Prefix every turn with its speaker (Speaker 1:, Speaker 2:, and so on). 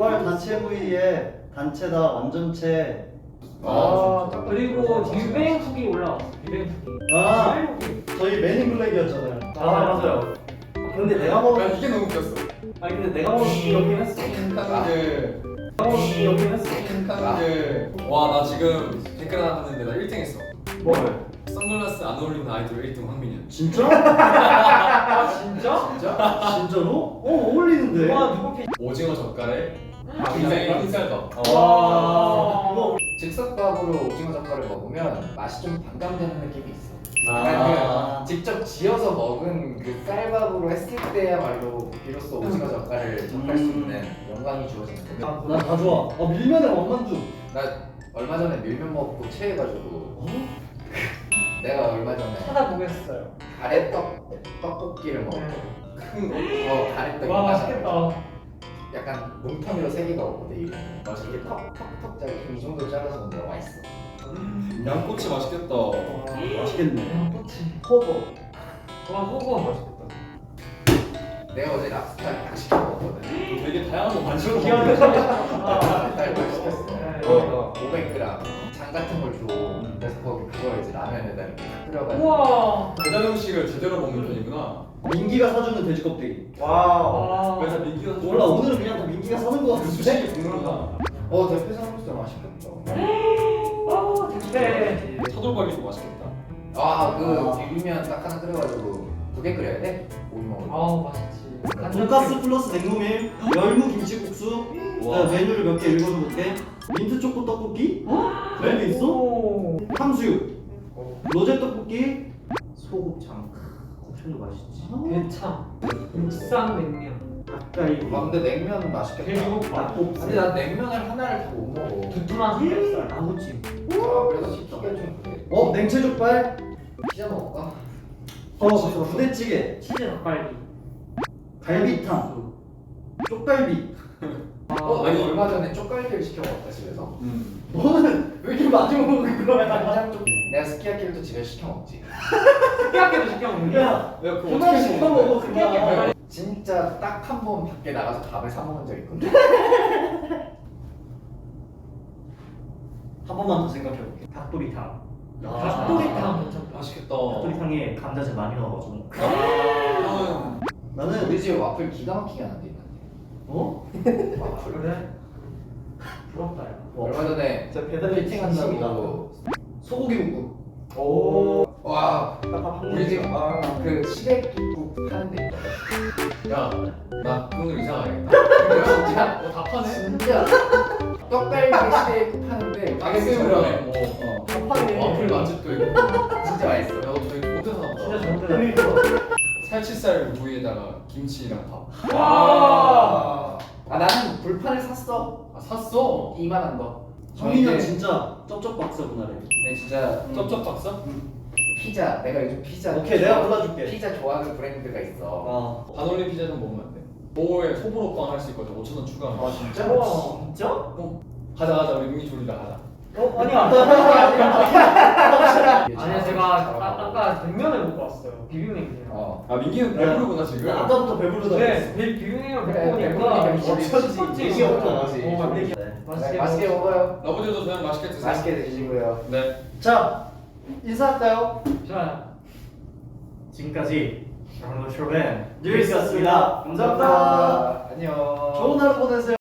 Speaker 1: 족발 단체 부위에 단체다 완전체.
Speaker 2: 그리고 빅뱅 후기 올라왔어. 빅뱅 후기.
Speaker 1: 저희 맨인 블랙이었잖아요.
Speaker 3: 맞아요.
Speaker 1: 근데 내가 먹은
Speaker 3: 난 이게 너무 웃겼어.
Speaker 1: 아니 근데 내가 먹은 기억이 했어.
Speaker 3: 칸드.
Speaker 1: 기억이 했어.
Speaker 3: 칸드. 와, 나 지금 댓글 하나 봤는데 나 1등 했어.
Speaker 1: 뭘?
Speaker 3: 선글라스 안 어울리는 아이돌 1등 황민현.
Speaker 1: 진짜?
Speaker 2: 진짜?
Speaker 1: 진짜로? 어울리는데.
Speaker 2: 와 누구 피?
Speaker 3: 오징어 젓갈에
Speaker 1: 아,
Speaker 3: 흰 쌀밥.
Speaker 1: 이거
Speaker 4: 즉석밥으로 오징어 젓갈을 먹으면 맛이 좀 반감되는 느낌이 있어.
Speaker 1: 아.
Speaker 4: 그러니까 직접 지어서 먹은 그 쌀밥으로 했을 때야말로 비로소 오징어 젓갈을 접할 수 있는 영광이 주어지는 거거든.
Speaker 1: 난 다 좋아. 밀면에 원만두.
Speaker 4: 나 얼마 전에 밀면 먹고 체해가지고 내가 얼마 전에
Speaker 2: 찾아보겠어요.
Speaker 4: 떡볶이를 먹었거든.
Speaker 2: 네.
Speaker 4: 가래떡이
Speaker 2: 와
Speaker 4: 맛있겠다.
Speaker 2: 맛있겠다.
Speaker 4: 약간 뭉텅이로 세 개가 없거든 이게. 맛있게 턱턱턱 짜게 이 정도 잘라서 먹으면 맛있어.
Speaker 3: 양꼬치 맛있겠다.
Speaker 1: 맛있겠네.
Speaker 2: 그치.
Speaker 1: 호버.
Speaker 2: 와 호거 맛있겠다.
Speaker 4: 내가 어제 랍스타를 딱 시켜 먹었거든.
Speaker 3: 되게 다양한 거 많이
Speaker 2: 기억이
Speaker 4: 랍스타를 시켰어.
Speaker 2: 네.
Speaker 4: 500g 장 같은 걸 줘. 그래서 그거 이제 라면에다 이렇게 딱 끓여가지고.
Speaker 2: 우와.
Speaker 3: 배달 음식을 제대로 먹는 편이구나.
Speaker 1: 민기가 사주는 돼지 껍데기.
Speaker 2: 와.
Speaker 3: 그래서 민기가
Speaker 1: 몰라 오늘은 그냥 다 민기가 사는 거 같은데.
Speaker 3: 수식이 궁금하다.
Speaker 4: 대표 삼겹살 맛있겠다.
Speaker 2: 아 근데
Speaker 3: 차돌박이도 맛있겠다.
Speaker 4: 비빔면 딱 하나 끓여가지고 2개 끓여야 돼? 오이 먹으면.
Speaker 2: 아우 맛있지.
Speaker 1: 돈가스 플러스 냉모밀, 열무 김치국수.
Speaker 3: 와.
Speaker 1: 메뉴를 몇 개 읽어도 볼게. 민트 초코 떡볶이. 그런 게 있어?
Speaker 2: 오.
Speaker 1: 탕수육. 로제 떡볶이. 소곱창. 곱창도 맛있지.
Speaker 2: 대참. 국산 냉면.
Speaker 1: 닭갈비.
Speaker 4: 근데 냉면 맛있겠다.
Speaker 2: 돼지국밥.
Speaker 1: 닭볶음.
Speaker 4: 근데 난 냉면을 하나를 다 못 먹어.
Speaker 2: 두툼한 삼겹살.
Speaker 1: 아구찜.
Speaker 4: 그래서 시키기가 좀 그래.
Speaker 1: 냉채족발.
Speaker 4: 피자 먹을까?
Speaker 1: 부대찌개.
Speaker 2: 치즈 닭갈비.
Speaker 1: 갈비탕. 쪽갈비.
Speaker 4: 아니 얼마 전에 쪽갈비를 시켜 먹었다 집에서.
Speaker 1: 너는 왜 이렇게 많이 먹는 거야?
Speaker 4: 간장 쪽. 내가 스키야키를 또 집에서 시켜 먹지.
Speaker 2: 스키야키도 시켜 먹는 거야?
Speaker 1: 야,
Speaker 3: 그거
Speaker 1: 그만 시켜 먹어 그만.
Speaker 4: 진짜 딱 한 번 밖에 나가서 밥을 사 먹은 적 있거든.
Speaker 1: 한 번만 더 생각해볼게. 닭도리탕.
Speaker 2: 닭도리탕 괜찮다.
Speaker 3: 맛있겠다.
Speaker 1: 닭도리탕에 감자즙 많이 넣어가지고.
Speaker 3: 형은
Speaker 1: 나는
Speaker 4: 우리 집에 와플 기가 막히게 하는데 있는데. 와플.
Speaker 2: 그래? 부럽다 야.
Speaker 4: 얼마 전에
Speaker 1: 진짜 배달의
Speaker 4: 피팅한다고
Speaker 1: 소고기 묵국.
Speaker 4: 오. 와.
Speaker 1: 딱한
Speaker 4: 우리 집 그 시래기국 파는 데 있거든.
Speaker 3: 야, 나 오늘 이사 가야겠다.
Speaker 4: 진짜
Speaker 3: 다 파네.
Speaker 4: 진짜 떡갈비 시래기국 파는데 가격이
Speaker 3: 가격이
Speaker 4: 저렴해.
Speaker 3: 저렴해.
Speaker 2: 파네.
Speaker 3: 와플 맛집도 있고.
Speaker 4: 진짜 맛있어.
Speaker 3: 야, 너 저희 호텔 하나
Speaker 2: 진짜
Speaker 3: 봐.
Speaker 2: 좋다.
Speaker 3: 살치살 부위에다가 김치랑 밥.
Speaker 2: 와.
Speaker 4: 나는 불판을 샀어.
Speaker 3: 아, 샀어.
Speaker 4: 이만한 거.
Speaker 1: 성민이 형
Speaker 4: 이게
Speaker 1: 진짜 쩝쩝 박사구나.
Speaker 4: 내 진짜
Speaker 3: 쩝쩝 박사?
Speaker 4: 피자. 내가 요즘 피자.
Speaker 1: 오케이 내가 골라줄게.
Speaker 4: 피자 좋아하는 브랜드가 있어.
Speaker 3: 반올림 피자 좀 먹으면 안 돼? 모에 소보로빵 할 수 있거든. 5,000원 추가하면.
Speaker 4: 진짜?
Speaker 2: 우와.
Speaker 1: 진짜?
Speaker 3: 가자 우리 민기 졸리다 가자.
Speaker 2: 아니야. 아니야 제가 아까 냉면을 먹고 왔어요. 비빔냉면.
Speaker 3: 아 민기는 배부르구나 지금.
Speaker 1: 아까부터 배부르다.
Speaker 2: 네, 비빔냉면
Speaker 4: 그래,
Speaker 2: 먹고
Speaker 4: 배부르니까
Speaker 2: 보니까
Speaker 4: 미치지.
Speaker 2: 첫 번째
Speaker 4: 얘기부터
Speaker 1: 나지.
Speaker 4: 맛있게 먹어요.
Speaker 3: 아버지도 그냥 맛있게 드세요.
Speaker 4: 맛있게 드시고요.
Speaker 3: 네.
Speaker 1: 자 인사할까요?
Speaker 2: 좋아요.
Speaker 1: 지금까지 랑노쇼맨 뉴이스였습니다. 감사합니다.
Speaker 4: 안녕.
Speaker 1: 좋은 하루 보내세요.